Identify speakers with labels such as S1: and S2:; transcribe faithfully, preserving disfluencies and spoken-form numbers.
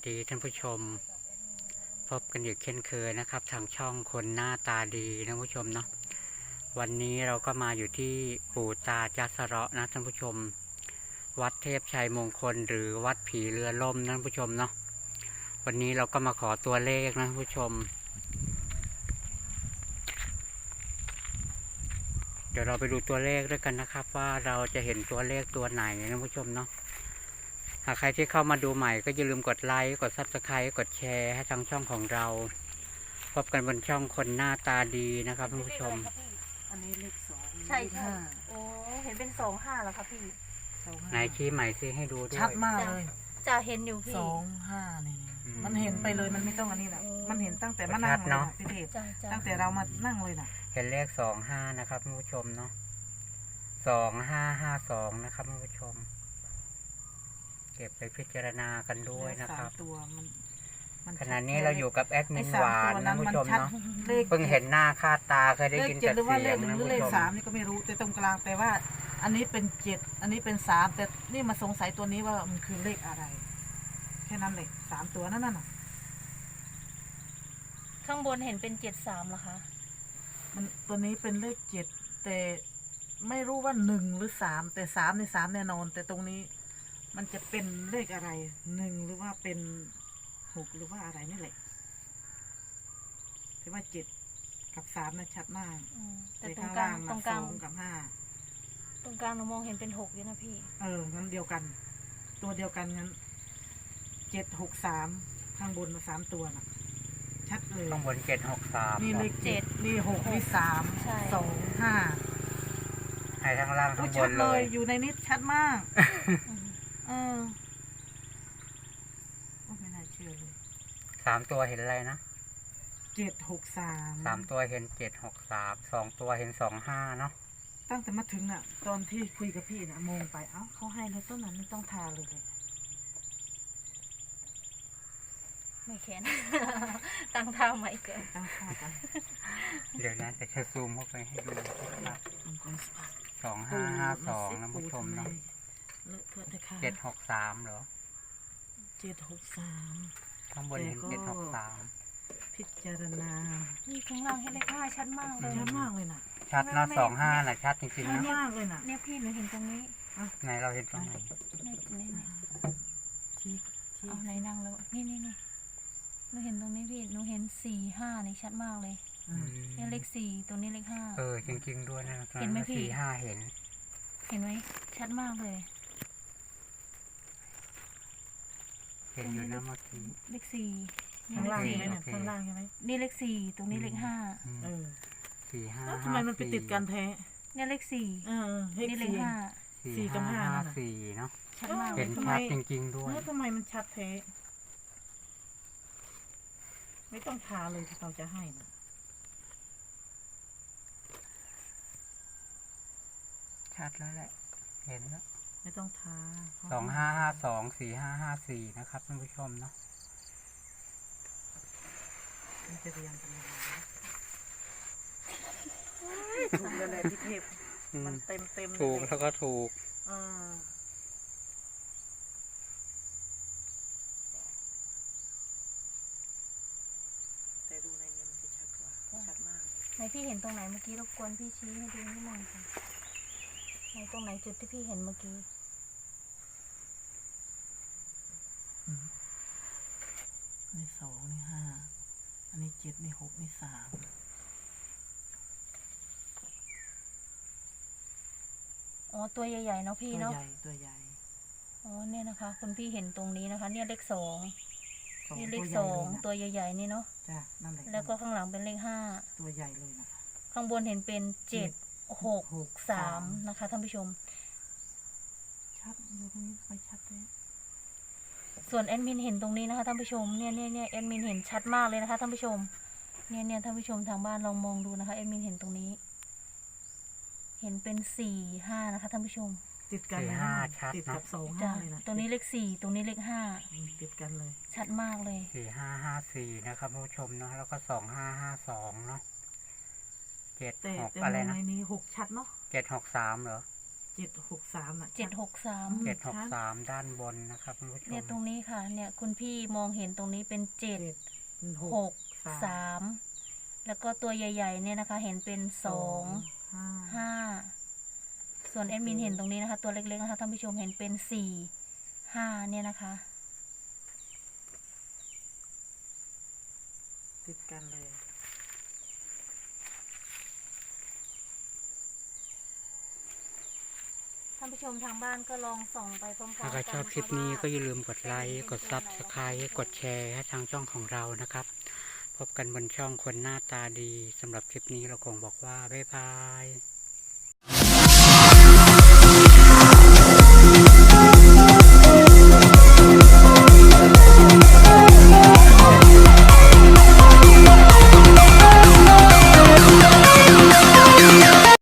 S1: ดีท่านผู้ชมพบกันอีกเช่นเคยนะครับทางช่องคนหน้าตาดีท่านผู้ชมเนาะวันนี้เราก็มาอยู่ที่ปู่ตาจัสเราะนะท่านผู้ชมวัดเทพชัยมงคลหรือวัดผีเรือล่มนะท่านผู้ชมเนาะวันนี้เราก็มาขอตัวเลขนะท่านผู้ชมเดี๋ยวเราไปดูตัวเลขด้วยกันนะครับว่าเราจะเห็นตัวเลขตัวไหนนะท่านผู้ชมเนาะหากใครที่เข้ามาดูใหม่ก็อย่าลืมกดไลค์กดซับสไครต์กดแชร์ให้ทางช่องของเราพบกันบนช่องคนหน้าตาดีนะครับท่านผู้ชม
S2: อันนี้เลขสอง
S3: ใช่ใช่
S2: ห้า
S3: โอ้เห็นเป็นสองห้าแล้วครับพี่
S2: สองห้า
S1: ไหนชี้ใหม่ซิให้ดูด้วย
S2: ชัดมากเลย
S3: จะเห็นอยู่พี่
S2: สองห้านี่
S1: อืม
S2: มันเห็นไปเลยมันไม่ต้องอันนี้แหละ
S3: อืม
S2: มันเห็นตั้งแต่มานั่งเลย
S1: ชัดเนอะ
S2: นะพี่เทพ
S3: จ้าจ้า
S2: ตั้งแต่เรามานั่งเลยนะ
S1: เห็นเลขสองห้านะครับท่านผู้ชมเนาะสองห้าห้าสองนะครับท่านผู้ชม เก็บไปพิจารณากันด้วยนะ
S2: สา
S1: ครั
S2: ม
S1: บ
S2: ตัวมันมัน
S1: ขณะนี้เราอยู่กับแอดมิ
S2: ไอ้
S1: น
S2: สา
S1: ห
S2: ม
S1: วาน
S2: ตัว
S1: นะ
S2: นั้น
S1: ท่าน
S2: มัน
S1: ผู้ชม
S2: ชัด
S1: เนาะ
S2: เลข
S1: เพิ่งเห็นหน้าค่าตาเคยได้
S2: เล
S1: ยิ
S2: ข
S1: น
S2: เจ็ด
S1: แต่
S2: หรือว่า
S1: เสี
S2: เลย ข
S1: ง
S2: หนึ่
S1: นะ
S2: งหรือ
S1: ผู้
S2: เลข
S1: ชม
S2: สาม
S1: เนาะ
S2: นี่ก็ไม่รู้แต่ตรงกลางแต่ว่า อันนี้เป็นเจ็ดอันนี้เป็นสามแต่นี่มาสงสัยตัวนี้ว่ามันคือเลขอะไร แค่นั้นเลยสามตัวนั่นน่ะ
S3: ข้างบนเห็นเป็นเจ็ดสามเหรอคะ
S2: มันตัวนี้เป็นเลขเจ็ดแต่ไม่รู้ว่าหนึ่งหรือสามแต่สามในสามแน่นอน แต่ตรงนี้ มันจะเป็นเลขอะไรหนึ่งหรือว่าเป็นหกหรือว่าอะไรนี่แหละแต่ว่าเจ็ดกับสามนะชัดมาก
S3: อืมแต่
S2: แต่
S3: ตร
S2: ข้าง ง
S3: กลา
S2: ล่าง ง
S3: ตร
S2: นะ
S3: งก
S2: ส
S3: ลาง
S2: องกับห้า
S3: ตรงกลางหนูมองเห็นเป็นหกอยู่นะพี่
S2: เอองั้นเดียวกัน ตัวเดียวกันงั้นเจ็ดหกสามข้างบนสามตัวน่ะ ชัดเลย
S1: ข้างบนเจ็ดหกสาม
S2: นี่เลขเจ็ดนี่หกนี่สาม
S3: ใช่
S2: สองห้า
S1: ให้ทั้งล่าง
S2: โอ้
S1: ทั้งบ
S2: ชัด
S1: น
S2: เล
S1: เลย ย
S2: อยู่ในนี้ชัดมาก
S3: อืม
S2: เออโอ้ไม่น่าเชื่อเลย
S1: สามตัวเห็นอะไรนะ
S2: เจ็ดหกสาม
S1: สามตัวเห็นเจ็ดหกสามสองตัวเห็นสองห้าเนาะ
S2: ตั้งแต่มาถึงน่ะ ตอนที่คุยกับพี่น่ะมองไปเอ้าเขาให้แล้วต้นนั้นไม่ต้องทาเลยเลย
S3: ไม่แค้น ตั้งท่าใหม่เกิน
S2: ตั้งทากัน
S1: เดี๋ยวนะจะซูมเข้าไปให้ดูนะครับ
S2: มันก็สปา
S1: สองห้าห้าสองนะผู้ชมเนาะ
S2: เลอะเทอะแต่ค่ะ
S1: เจ็ดหกสามเหรอ
S2: เจ็ดหกสาม
S1: ข้างบนเห็นเจ็ดหกสาม
S2: พิจารณา
S3: นี่ข้างล่างเห็นเลขห้าชัดมากเลย
S2: ชัดมากเลยน่ะ
S1: ชัดเนาะสองห้าน่ะชัดจริง
S2: ชั
S1: ๆ
S2: ด
S1: นะ
S2: มากเลยน่ะ
S3: เนี่ยพี่หนูเห็นตรงนี้
S1: ไหนเราเห็นตรงไหน
S3: ในในใน
S2: ชี้ชี้
S3: เอาไหนนั่งแล้วนี่นี่นี่หนูเห็นตรงนี้พี่หนูเห็นสี่ห้านี่ชัดมากเลย
S2: อืม
S3: เนี่ยเลขสี่ตรงนี้เลขห้า
S1: เออจริงๆด้วยนะ
S3: เห็นไหมพี่
S1: สี่ห้าเห็น
S3: เห็นไหมชัดมากเลย
S1: เห็นอยู่นะเมื่อกี้
S3: เลขสี่นี่
S2: ข้าง
S3: เล
S2: ล่า
S3: ข
S2: ง
S3: สี่
S2: ใช่ไหมเนี่ย
S1: โอเค
S2: ข้างล่างใช่ไหม
S3: นี่เลขสี่ตรงนี้เลขห้า
S1: อืม
S2: เออ
S1: สี่ห้า
S2: แล้วทำ
S1: ห้า
S2: ไมมันไปติดกันแท้
S3: เนี่ยเลขสี่
S2: เออเลข
S3: นี่เลข
S2: สี่
S3: ห้า
S2: สี่
S1: สี่
S2: กับ
S1: ห้า
S2: ห้า
S1: ห้า
S2: น่ะ
S1: สี่เนาะ
S3: ชัดมากเล
S1: เห็
S3: ย
S1: น
S2: ทำไม
S1: ชัดจริงๆด้วย
S2: แล้วทำไมมันชัดแท้ไม่ต้องทาเลยที่เราจะให้นะ
S1: ชัดแล้วแหละ เห็นแล้ว
S2: ไม่ต้องทา
S1: สองห้าห้าสองสี่ห้าห้าสี่นะครับท่านผู้ชมเนาะ
S2: มันจะเรียงกันยังไงนะถูกแล้วแหละพี่เทพมันเต็มเต็มๆ
S1: ถูก
S2: เลย
S1: แล้วก็ถูก
S2: เออแต่ดูในนี้มันจะชัดกว่าชัดมาก
S3: ไหนพี่เห็นตรงไหนเมื่อกี้รบกวนพี่ชี้ให้ดูนิดหน่อยค่ะไหนตรงไหนจุดที่พี่เห็นเมื่อกี้
S2: นี่สองนี่ห้าอันนี้เจ็ดนี่หกนี่สาม
S3: อ๋อตัวใหญ่ๆเนาะพี่
S2: ตัว
S3: เนาะ
S2: ใหญ่ตัวใหญ่
S3: อ๋อเนี่ยนะคะคุณพี่เห็นตรงนี้นะคะ เนี่ยเลขสอง
S2: สอง
S3: นี่เล
S2: ตัว
S3: ข
S2: ให
S3: ส
S2: ญ่
S3: อ
S2: เล
S3: ง
S2: ยนะ
S3: ตัวใหญ่ๆนี่เนาะ
S2: จ้ะนั่นแหละ
S3: แล้วก็ข้างหลังเป็นเลขห้า
S2: ตัวใหญ่เลยนะ
S3: ข้างบนเห็นเป็นเจ็ดหก
S2: หก
S3: สา
S2: สาม ม
S3: นะคะท่านผู้ชม
S2: ชัดอยู่ตรงนี้ไปชัดเลย
S3: ส่วนแอดมินเห็นตรงนี้นะคะท่านผู้ชมเนี่ยเนี่ยเนี่ยแอดมินเห็นชัดมากเลยนะคะท่านผู้ชมเนี่ยเนี่ยท่านผู้ชมทางบ้านลองมองดูนะคะแอดมินเห็นตรงนี้ เห็นเป็นสี่ห้านะคะท่านผู้ชม
S2: ติดกัน
S1: สี่
S2: เลย
S1: ห้า
S2: นะ
S1: ชัด
S2: ติด
S1: เนอะ
S2: กับสอง
S3: จ้ะ
S2: ห้าเลยนะ
S3: ตรงนี้เลขสี่ตรงนี้เลขห้า
S2: อืมติดกันเลย
S3: ชัดมากเลย
S1: สี่ห้าห้าสี่นะครับท่านผู้ชมเนาะแล้วก็สองห้าห้าสองเนาะเจ็ด
S2: แต่
S1: หก
S2: แต่
S1: อะไร
S2: มอง
S1: นะ
S2: ในนี้หกชัดเนาะ
S1: เจ็ดหกสามเหรอ
S2: เจ็ดหกสามอ่ะ
S3: เจ็ดหกสาม
S2: อืม
S1: เจ็ดหกสามด้านบนนะครับท่านผู้ช
S3: เนี่ย
S1: ม
S3: ตรงนี้ค่ะ เนี่ยคุณพี่มองเห็นตรงนี้เป็นเจ็ด
S2: เจ็ด
S3: หกสามแล้วก็ตัวใหญ่ๆเนี่ยนะคะ เห็นเป็นสอง
S2: ห้า
S3: ห้าส่วนแอดมินเห็นตรงนี้นะคะ ตัวเล็กๆนะคะท่านผู้ชมเห็นเป็นสี่ห้าเนี่ยนะคะ
S2: ติดกันเลย
S3: ท่านผู้ชมทางบ้านก็ลองส่องไปพร้อมๆกั
S1: ถ้าใครชอบคลิปนี้ก็อย่าลืมกดไลค์กดซับสไครต์กดแชร์ให้ทางช่องของเรานะครับ พบกันบนช่องคนหน้าตาดีสำหรับคลิปนี้เราคงบอกว่าบ๊ายบาย